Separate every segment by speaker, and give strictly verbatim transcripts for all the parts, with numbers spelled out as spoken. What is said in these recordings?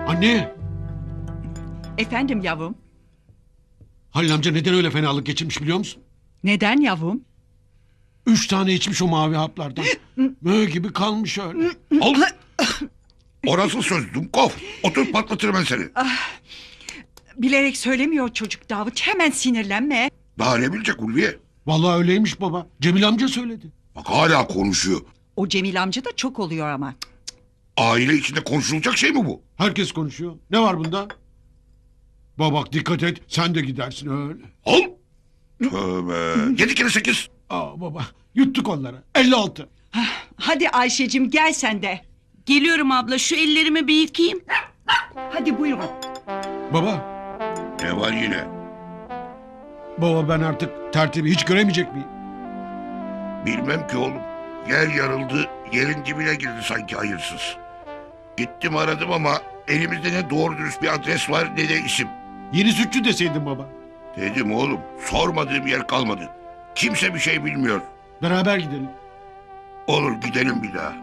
Speaker 1: Anne!
Speaker 2: Efendim yavrum?
Speaker 1: Halil amca neden öyle fenalık geçirmiş biliyor musun?
Speaker 2: Neden yavrum?
Speaker 1: Üç tane içmiş o mavi haplardan. Mö gibi kalmış öyle.
Speaker 3: Al. O nasıl söz Dumkov? Otur patlatırım ben seni.
Speaker 2: Bilerek söylemiyor çocuk Davut. Hemen sinirlenme.
Speaker 3: Daha ne bilecek Ulviye?
Speaker 1: Vallahi öyleymiş baba. Cemil amca söyledi.
Speaker 3: Bak hala konuşuyor.
Speaker 2: O Cemil amca da çok oluyor ama.
Speaker 3: Aile içinde konuşulacak şey mi bu?
Speaker 1: Herkes konuşuyor. Ne var bunda? Baba bak dikkat et. Sen de gidersin öyle.
Speaker 3: Al. Tövbe. Yedi kere sekiz.
Speaker 1: Aa baba yuttuk onları. elli altı.
Speaker 2: Hadi Ayşe'cim gel sen de.
Speaker 4: Geliyorum abla, şu ellerimi bir yıkayayım.
Speaker 2: Hadi buyurun.
Speaker 1: Baba.
Speaker 3: Ne var yine?
Speaker 1: Baba ben artık tertibi hiç göremeyecek miyim?
Speaker 3: Bilmem ki oğlum. Yer yarıldı, yerin dibine girdi sanki hayırsız. Gittim aradım ama elimizde ne doğru dürüst bir adres var ne de isim.
Speaker 1: Yeni sütçü deseydin baba.
Speaker 3: Dedim oğlum, sormadığım yer kalmadı. Kimse bir şey bilmiyor.
Speaker 1: Beraber gidelim.
Speaker 3: Olur gidelim bir daha.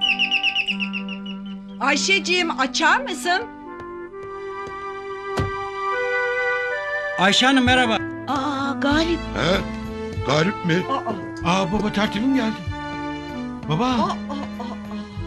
Speaker 2: Ayşe'cim açar mısın?
Speaker 5: Ayşe Hanım merhaba.
Speaker 4: Aa Galip.
Speaker 3: He? Galip mi?
Speaker 2: Aa,
Speaker 1: Aa baba tertibim geldi. Baba.
Speaker 2: aa, aa, aa.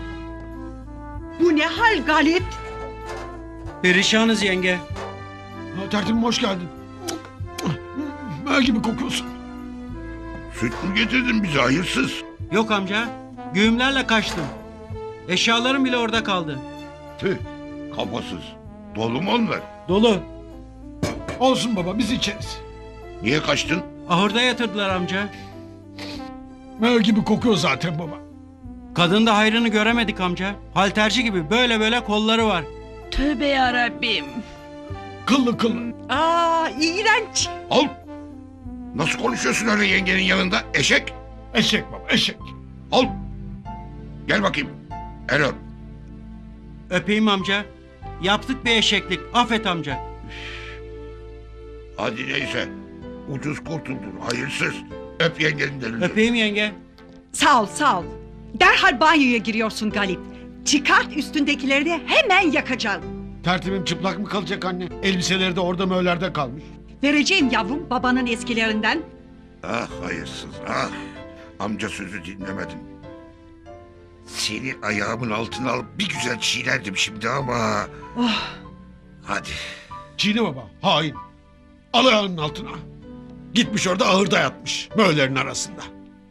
Speaker 2: Bu ne hal Galip?
Speaker 5: Perişanız yenge.
Speaker 1: Aa, tertibim hoş geldin. Mö gibi kokuyorsun.
Speaker 3: Süt mü getirdin bize hayırsız?
Speaker 5: Yok amca. Güğümlerle kaçtım. Eşyalarım bile orada kaldı.
Speaker 3: Tüh, kafasız. Dolu mu onlar?
Speaker 5: Dolu.
Speaker 1: Olsun baba biz içeriz.
Speaker 3: Niye kaçtın?
Speaker 5: Ahırda yatırdılar amca.
Speaker 1: Mö gibi kokuyor zaten baba.
Speaker 5: Kadın da hayrını göremedik amca. Halterci gibi böyle böyle kolları var.
Speaker 4: Tövbe yarabbim.
Speaker 1: Kıllı kıllı.
Speaker 2: Aa iğrenç.
Speaker 3: Al. Nasıl konuşuyorsun öyle yengenin yanında? Eşek.
Speaker 1: Eşek baba eşek.
Speaker 3: Al. Gel bakayım. El öp.
Speaker 5: Öpeyim amca. Yaptık bir eşeklik. Affet amca.
Speaker 3: Hadi neyse. Ucuz kurtuldun hayırsız. Öp yengenin elini.
Speaker 5: Öpeyim yenge.
Speaker 2: Sağ ol sağ ol. Derhal banyoya giriyorsun Galip. Çıkart üstündekileri de hemen yakacağım.
Speaker 1: Tertibim çıplak mı kalacak anne? Elbiseleri de orada möllerde kalmış.
Speaker 2: Vereceğim yavrum babanın eskilerinden.
Speaker 3: Ah hayırsız ah. Amca sözü dinlemedin. Seni ayağımın altına alıp bir güzel çiğnerdim şimdi ama...
Speaker 2: Oh.
Speaker 3: Hadi.
Speaker 1: Çiğne baba hain. Al ayağının altına. Gitmiş orada ahırda yatmış. Möllerin arasında.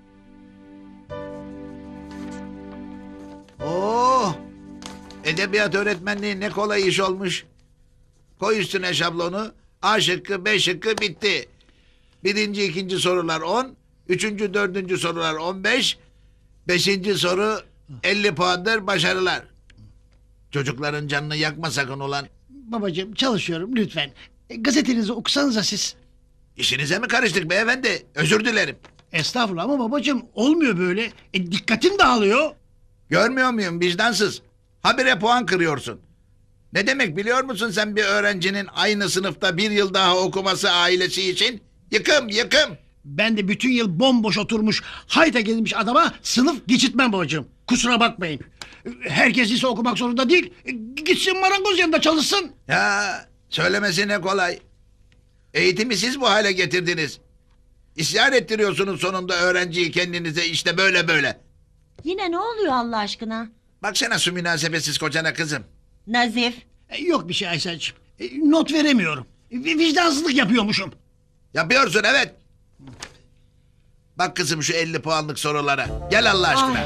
Speaker 6: Oo! Edebiyat öğretmenliği ne kolay iş olmuş. Koy üstüne şablonu. A şıkkı, B şıkkı bitti. Birinci, ikinci sorular on. Üçüncü, dördüncü sorular on beş. Beşinci soru elli puandır başarılar. Çocukların canını yakma sakın ulan.
Speaker 7: Babacığım çalışıyorum lütfen. E, gazetenizi okusanıza siz.
Speaker 6: İşinize mi karıştık beyefendi? Özür dilerim.
Speaker 7: Estağfurullah ama babacığım olmuyor böyle. E, dikkatim dağılıyor.
Speaker 6: Görmüyor muyum vicdansız? Habire puan kırıyorsun. Ne demek biliyor musun sen bir öğrencinin aynı sınıfta bir yıl daha okuması ailesi için? Yıkım yıkım.
Speaker 7: Ben de bütün yıl bomboş oturmuş hayta gelmiş adama sınıf geçitmem babacığım. Kusura bakmayın. E, Herkes ise okumak zorunda değil. E, Gitsin marangoz yanında çalışsın.
Speaker 6: Ya söylemesi ne kolay. Eğitimi siz bu hale getirdiniz. İsyan ettiriyorsunuz sonunda öğrenciyi kendinize işte böyle böyle.
Speaker 4: Yine ne oluyor Allah aşkına?
Speaker 6: Baksana şu münasebetsiz kocana kızım.
Speaker 4: Nazif.
Speaker 7: E, Yok bir şey Aysel'cim. E, Not veremiyorum. E, Vicdansızlık yapıyormuşum.
Speaker 6: Yapıyorsun evet. Bak kızım şu elli puanlık sorulara. Gel Allah aşkına.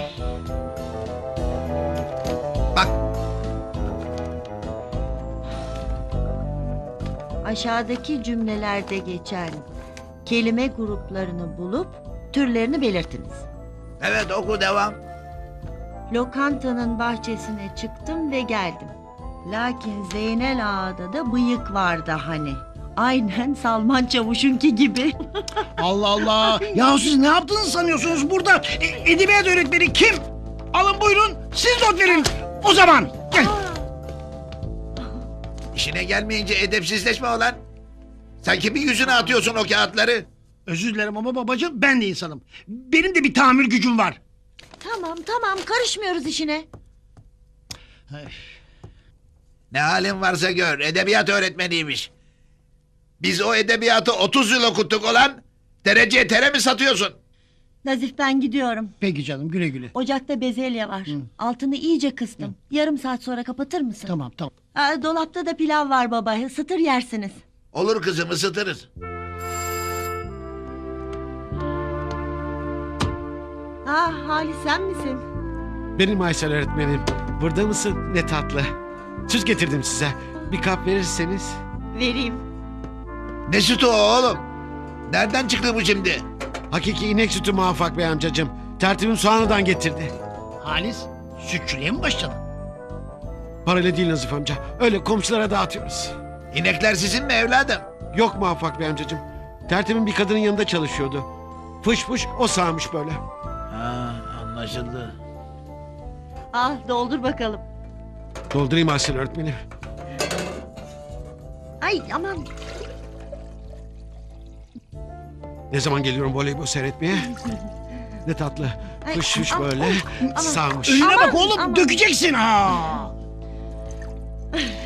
Speaker 6: Bak
Speaker 8: Aşağıdaki cümlelerde geçen kelime gruplarını bulup türlerini belirtiniz.
Speaker 6: evet oku devam.
Speaker 8: Lokantanın bahçesine çıktım ve geldim. Lakin Zeynel Ağa'da da bıyık vardı hani. Aynen Salman Çavuş'unki gibi.
Speaker 7: Allah Allah. Ya siz ne yaptığınızı sanıyorsunuz burada? E, edebiyat öğretmeni kim? Alın buyurun siz not verin. O zaman gel.
Speaker 6: İşine gelmeyince edepsizleşme olan. Sen kimin yüzüne atıyorsun o kağıtları?
Speaker 7: Özür dilerim ama babacığım ben de insanım. Benim de bir tahammül gücüm var.
Speaker 8: Tamam tamam karışmıyoruz işine.
Speaker 6: Ne halin varsa gör. Edebiyat öğretmeniymiş. Biz o edebiyatı otuz yıl okuttuk olan. Dereceye tere mi satıyorsun?
Speaker 8: Nazif ben gidiyorum.
Speaker 7: Peki canım güle güle.
Speaker 8: Ocakta bezelye var.
Speaker 7: Hı.
Speaker 8: Altını iyice kıstım. Yarım saat sonra kapatır mısın?
Speaker 7: Tamam tamam.
Speaker 8: Aa, dolapta da pilav var baba. Isıtır yersiniz.
Speaker 6: Olur kızım ısıtırız.
Speaker 8: Ah Halis sen misin?
Speaker 9: Benim Aysel öğretmenim. Burada mısın? Ne tatlı. Süt getirdim size. Bir kap verirseniz.
Speaker 8: Vereyim.
Speaker 6: Ne sütü o oğlum? Nereden çıktı bu şimdi?
Speaker 9: Hakiki inek sütü Muvaffak Bey amcacığım. Tertibim soğanıdan getirdi.
Speaker 7: Halis sütçülüğe mi başladın?
Speaker 9: Parayla değil Nazif amca. Öyle komşulara dağıtıyoruz.
Speaker 6: İnekler sizin mi evladım?
Speaker 9: Yok Muvaffak Bey amcacığım. Tertibim bir kadının yanında çalışıyordu. Fış fış o sağmış böyle.
Speaker 6: Ha, anlaşıldı.
Speaker 8: Al doldur bakalım.
Speaker 9: Doldurayım Aysel öğretmenim.
Speaker 8: Ay aman.
Speaker 9: Ne zaman geliyorum voleybol seyretmeye? Ne tatlı.
Speaker 8: Ay,
Speaker 9: Fış fış
Speaker 8: aman,
Speaker 9: böyle
Speaker 8: aman.
Speaker 9: sağmış.
Speaker 7: Önüne
Speaker 8: Aman,
Speaker 7: bak oğlum
Speaker 8: aman.
Speaker 7: dökeceksin ha.